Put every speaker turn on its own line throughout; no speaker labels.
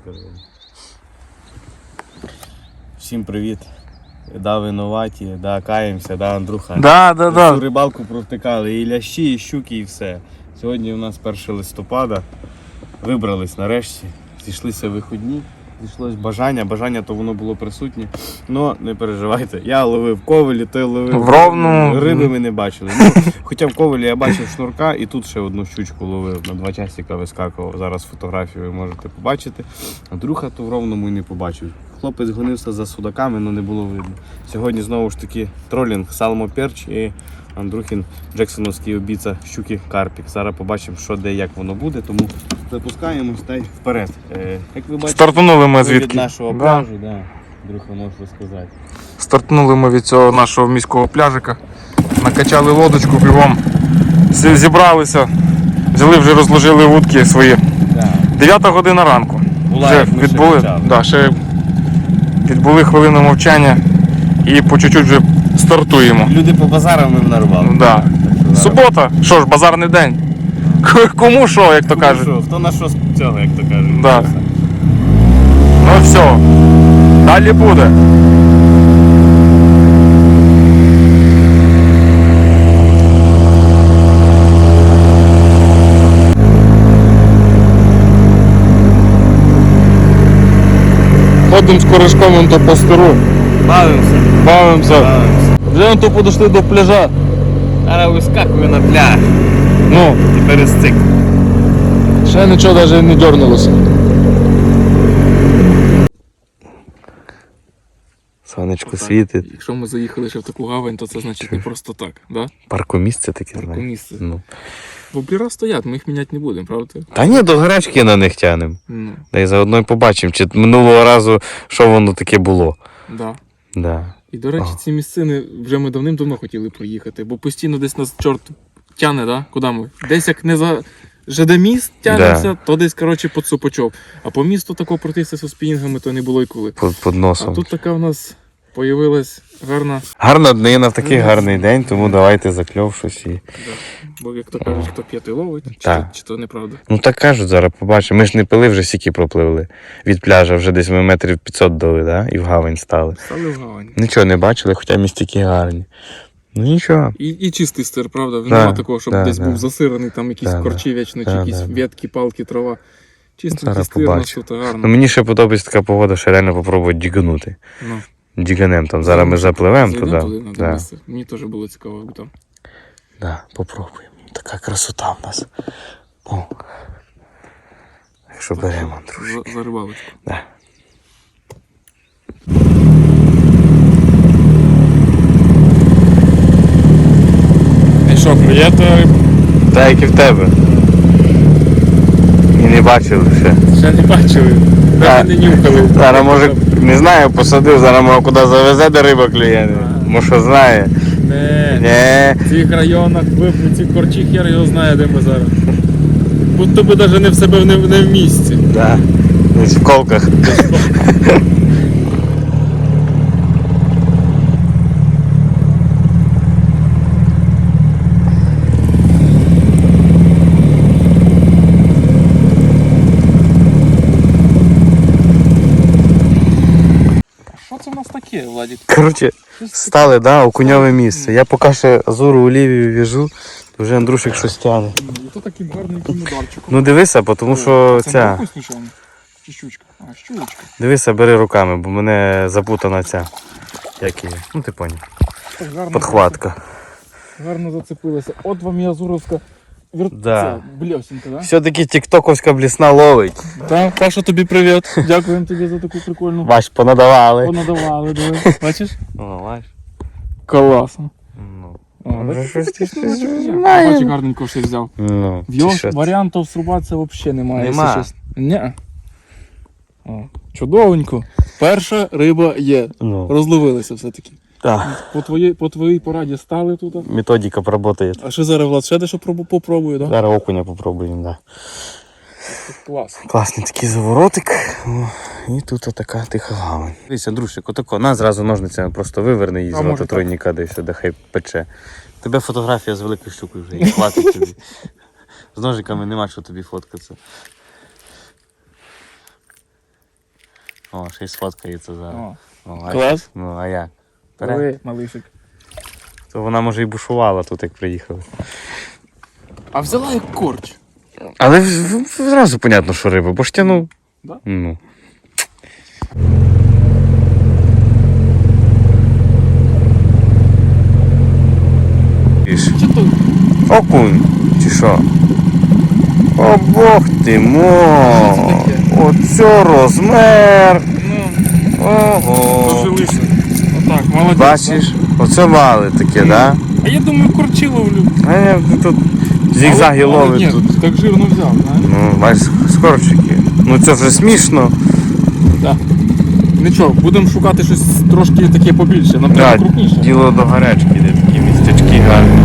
коротше. Всім привіт. Да, винуваті, да, каємося, да, Андрюха.
Да.
Всю рибалку провтикали, і лящі, і щуки, і все. Сьогодні у нас 1 листопада. Вибрались нарешті, зійшлися вихідні. Зійшлось бажання то воно було присутнє. Но не переживайте, я ловив ковелі, той ловив
в ровну.
Риби ми не бачили. Ну, хоча в ковелі я бачив шнурка і тут ще одну щучку ловив, на 2 часика вискакував. Зараз фотографію ви можете побачити. Андрюха то в ровному і не побачив. Хлопець гонився за судаками, але не було видно. Сьогодні знову ж таки тролінг, салмо перч і Андрюхін джексоновський обіця щуки карпік. Зараз побачимо, що де як воно буде, тому запускаємось та й вперед. Як ви бачите,
Стартанули ми
від
звідки?
нашого пляжу, да. Андрюха, можеш розказати.
Стартнули ми від цього нашого міського пляжика. Накачали лодочку бігом. Зібралися. Взяли, вже розложили вудки свої.
Да.
9 година ранку. Вже відбули, ще відбули хвилину мовчання і по чуть-чуть вже стартуємо.
Люди по базарам ми нарвали.
Да. Субота, що ж, базарний день. Кому що, як то кажуть.
Хто на що з цього, як то кажуть.
Да. Ну все, далі буде. Ходимо з корешком то по стиру. Бавимося. Вже то подошли до пляжа.
Зараз вискакую на пляж.
Ну,
І перестик.
ще нічого навіть не дернулося.
Сонечко світить.
Якщо ми заїхали ще в таку гавань, то це значить не просто так, да?
Паркомісце таке, знаєш.
Паркомісце.
Ну.
Бо пляжа стоять, ми їх міняти не будемо, правда?
Та ні, до гарячки на них тянемо.
Ну,
Та й заодно й побачимо, чи минулого разу, що воно таке було.
да.
Да.
І, до речі, ці місцини вже ми давним-давно хотіли проїхати, бо постійно десь нас чорт тяне, да? Куди ми? Десь як не за ЖД-міст тянемося, то десь, коротше, по Цупочов. А по місту такого пройтися з спінінгами то не було й коли.
Під носом.
А тут така в нас появилась гарна...
Гарна днина в такий гарний день, тому давайте закльов щось і...
Да. Бо, як то кажуть, хто п'є, той ловить, чи то неправда?
Ну так кажуть, зараз побачимо. Ми ж не пили, вже сіки пропливли. Від пляжа вже десь ми метрів 500 дали, да? І в гавань стали.
Стали в гавань.
Нічого не бачили, хоча містики гарні. Ну нічого.
І чистий стир, правда?
Да,
Нема такого, щоб
да,
десь
да.
був засираний, там якісь корчі вічно, чи якісь ветки, палки, трава. Чистий
Зараз
стир, у нас
побачимо.
тут гарно.
Ну мені ще подобається така погода, що реально попробувати дігнути.
Ну.
Діганем там. Зараз ми запливемо
Зайдемо
туди.
на
Да.
місце. Мені теж було цікаво, як там.
Да, попробуємо. Така красота в нас. О. Якщо беремо, Андрюш.
За рибалочку.
Да.
І що, клює то рибу?
Так, як і в тебе. І не бачили ще.
Ще не бачили.
Да.
Навіть не нюхали.
Зараз може, не знаю, посадив, зараз може куди завезе, де риба клює. Може що знає.
Не. В цих районах, в цих корчі хер його знає, де ми зараз. Будто би навіть не в себе не в місці.
Да. Десь в колках.
Що це в нас таке, Владик?
Коротше, стали, да, окуньове місце. Я поки ще Азуру Олівію в'яжу, то вже Андрушик щось тягне.
Це таким гарненьким ударчиком.
Ну дивися, тому що
Це
ця.
не окунь, случайно? Чи щучка? А, щучка.
Дивися, бери руками, бо мене запутана ця. Як її? Ну ти поняв.
Так гарно,
Подхватка.
гарно зацепилася. От вам і азуровська
Да.
бльосінка, да?
Все-таки тіктоковська блісна ловить.
Так, Паша, тобі привіт. Дякуємо тобі за таку прикольну.
Бач, понадавали.
Понадавали, диви. Бачиш?
О, бач.
Класно.
Ну.
О,
Вже щось
таке
знає.
Бачиш, гарненько щось взяв.
Ну,
В його
чи що?
варіантів срубатися взагалі немає.
Нема.
Якщо чесно. Ні. О, чудовенько. Перша риба є.
Ну,
Розловилися все-таки.
так.
По твоїй пораді стали тут.
Методика працює.
А що зараз, Влад, ще дещо попробую, так? Да?
Зараз окуня попробуємо, да.
Клас.
Класний такий заворотик. О, і тут така тиха гавань. Дивись, Андрушик, отако, на зразу ножницями просто виверни її з
може
рота
так?
тройника, де все, де хай пече. Тебе фотографія з великою щукою вже, і хватить тобі. З ножиками нема що тобі фоткатися. О, ще й сфоткається зараз. О,
Клас.
Ну, а як?
Диви, малишик.
То вона може і бушувала тут, як приїхали.
А взяла як корч.
Але зразу понятно, що риба, бо ж тянув.
Да?
Ну.
Чи то?
Окунь, чи що? О, Бог ти мо! Оце розмер!
Ну,
Ого!
дожилися. Отак, молодець.
Бачиш? Оце мали таке, да?
А я думаю, корчі ловлю.
А я тут зігзаги
Але
ловить
ні,
тут.
так жирно взяв, знаєш?
Ну, бачиш, скорчики. Ну це вже смішно.
Так. Нічого, будемо шукати щось трошки таке побільше, нам треба крупніше.
Діло до гарячки, де такі містечки гарні.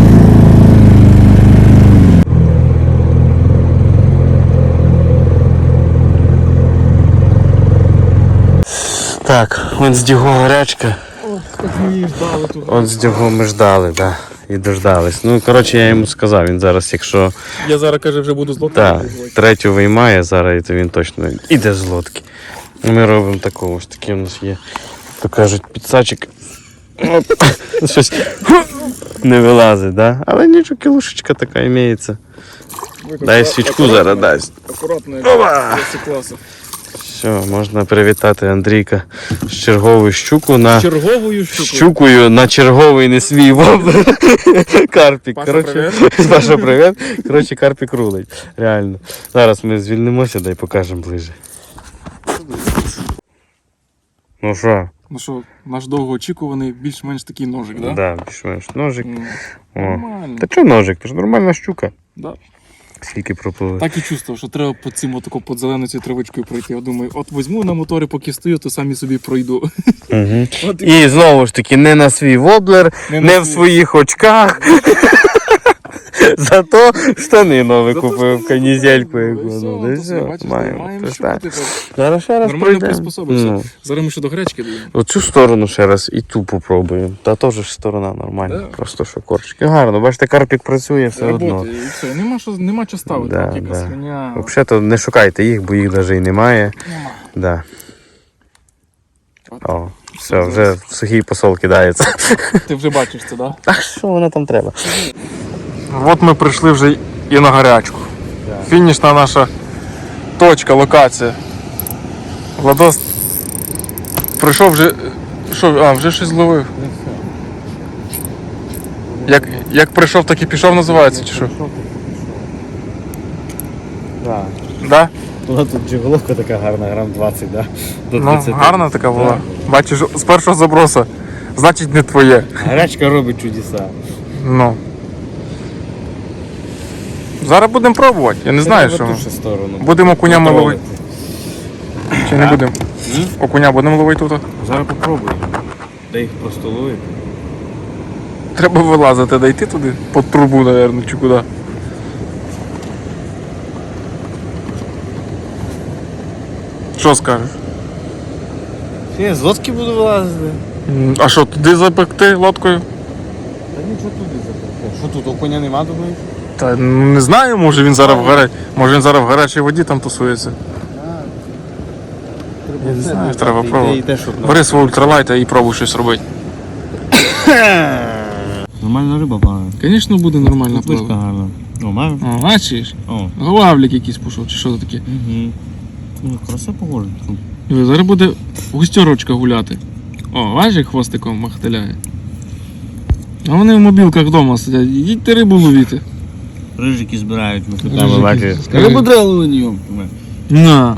Так, вон з дього гарячка.
Ох, так ми її ждали тут.
От з дього ми ждали, так. Да. І дождались. Ну, коротше, я йому сказав, він зараз, якщо
Я зараз, каже, вже буду з лодкою.
третю виймає зараз, то він точно іде з лодки. Ми робимо такого, ось такий у нас є, то кажуть, підсачик. Оп, щось не вилазить, да? Але нічого, кілушечка така імеється. Дай свічку зараз дасть.
Акуратно,
Опа!
як класу.
Все, можна привітати Андрійка з черговою щуку на
Черговою щукою.
щукою на черговий не свій воблер. Карпік.
Паша,
Коротше, Паша, привіт. Коротше, карпік рулить. Реально. Зараз ми звільнимося, дай покажемо ближче. Ну що?
Ну що, наш довгоочікуваний більш-менш такий ножик, так?
Да, більш-менш ножик. О.
Нормально.
Та чого ножик? Це ж нормальна щука.
Да.
Скільки пропливе.
Так і чувствував, що треба по цим отако під зеленою цією травичкою пройти. Я думаю, от візьму на моторі, поки стою, то самі собі пройду.
Угу.
От
І знову ж таки, не на свій воблер, не в своїх очках. Зато штани нові купив, канізельку яку. Ну, да все, маємо. Тож так. Зараз ще раз
Нормально
пройдемо.
приспособився.
Ну,
Зараз ми ще до гарячки даємо.
оцю сторону ще раз і ту попробуємо. Та теж ж сторона нормальна.
Да.
Просто що корчики. Гарно, бачите, карпік працює все одно.
Работає і все. Нема що ставити.
Да,
Так, якась
да.
хреня.
Взагалі-то не шукайте їх, бо їх навіть і немає.
Нема.
Да.
От.
О, все, вже в сухий посол кидається.
Ти вже бачиш це, так?
А що воно там треба?
От ми прийшли вже і на гарячку. Фінішна наша точка, локація. Владос прийшов вже. Що, вже щось зловив. Як прийшов, так і пішов, називається, чи що?
Так.
Да?
Була тут джиголовка така гарна, грам 20, да? До
Ну, гарна така була. Бачиш, з першого заброса. Значить, не твоє.
Гарячка робить чудеса.
Ну. Зараз будемо пробувати. Я не знаю, що ми.
Сторону.
Будемо окунями ловити. Чи не будемо? Окуня будемо ловити тут?
Зараз попробуємо. Дай їх просто ловити.
Треба вилазити, дійти туди. Під трубу, мабуть, чи куди. Що скажеш?
Я з лодки буду вилазити.
А що, туди запекти лодкою?
Та нічого туди запекти. Що тут, окуня нема, думаєш?
Та не знаю, може він зараз в гарячій воді там тусується. Я не знаю, треба пробувати. Бери свого ультралайта і пробуй щось робити.
Нормальна риба, пане.
Звісно, буде нормально плавати.
гарна. О, маєш?
О, бачиш?
О.
Главлік якийсь пішов, чи що це таке?
Угу. Ну, краса похоже.
Зараз буде густерочка гуляти. О, бачиш, як хвостиком махтеляє. А вони в мобілках вдома сидять. Їдьте рибу ловіти.
Рижики збирають, ми
Рижики
там бачиш.
збирають.
Рибу треба ловити.
На.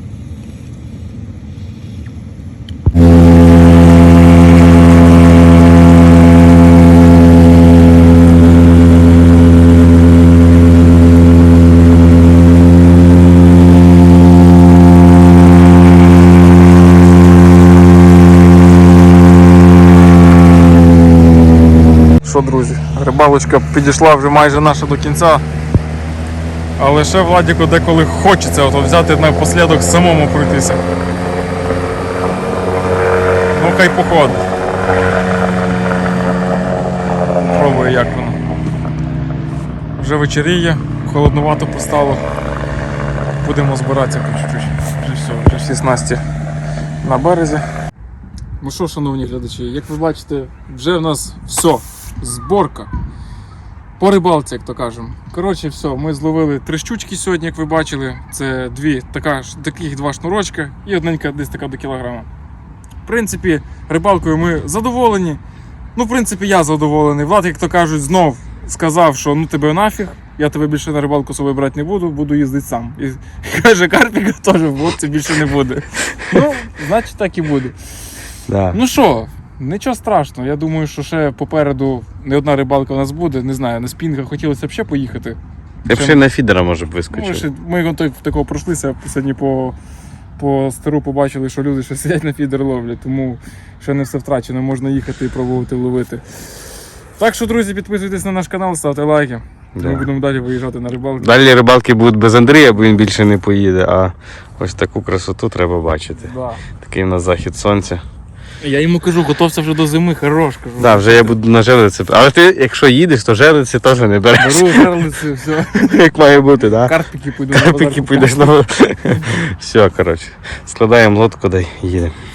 Що, друзі, рибалочка підійшла вже майже наша до кінця. Але ще Владіку деколи хочеться взяти напослідок самому пройтися. Ну хай походить. Пробую, як воно. Вже вечеріє, холоднувато постало. Будемо збиратися по чуть-чуть. Вже все, вже всі снасті на березі. Ну що, шановні глядачі, як ви бачите, вже в нас все, зборка. По рибалці, як то кажемо. Коротше, все, ми зловили 3 щучки сьогодні, як ви бачили. Це таких 2 шнурочка і одненька десь така до кілограма. В принципі, рибалкою ми задоволені. Ну, в принципі, я задоволений. Влад, як то кажуть, знов сказав, що ну тебе нафіг, я тебе більше на рибалку з собою брати не буду, буду їздити сам. І каже, карпіка теж в лодці більше не буде. Ну, значить так і буде.
Да.
Ну що, нічого страшного. Я думаю, що ще попереду не одна рибалка у нас буде. Не знаю, на спінгах хотілося б ще поїхати.
Я б ще на фідера, може, б вискочив.
Ми такого пройшлися, сьогодні по стару побачили, що люди ще сидять на фідер ловлять, тому ще не все втрачено, можна їхати і пробувати ловити. Так що, друзі, підписуйтесь на наш канал, ставте лайки.
Да.
Ми будемо далі виїжджати на рибалки.
Далі рибалки будуть без Андрія, бо він більше не поїде, а ось таку красоту треба бачити.
Да.
Такий у нас захід сонця.
Я йому кажу, готовся вже до зими, хорош, кажу.
Да, вже я буду на желиці. Але ти, якщо їдеш, то желиці теж не береш.
Беру жерлиці, все.
Як має бути, так?
Карпики піду на
Карпики
базар
підеш на... Все, коротше. Складаємо лодку, дай їдемо.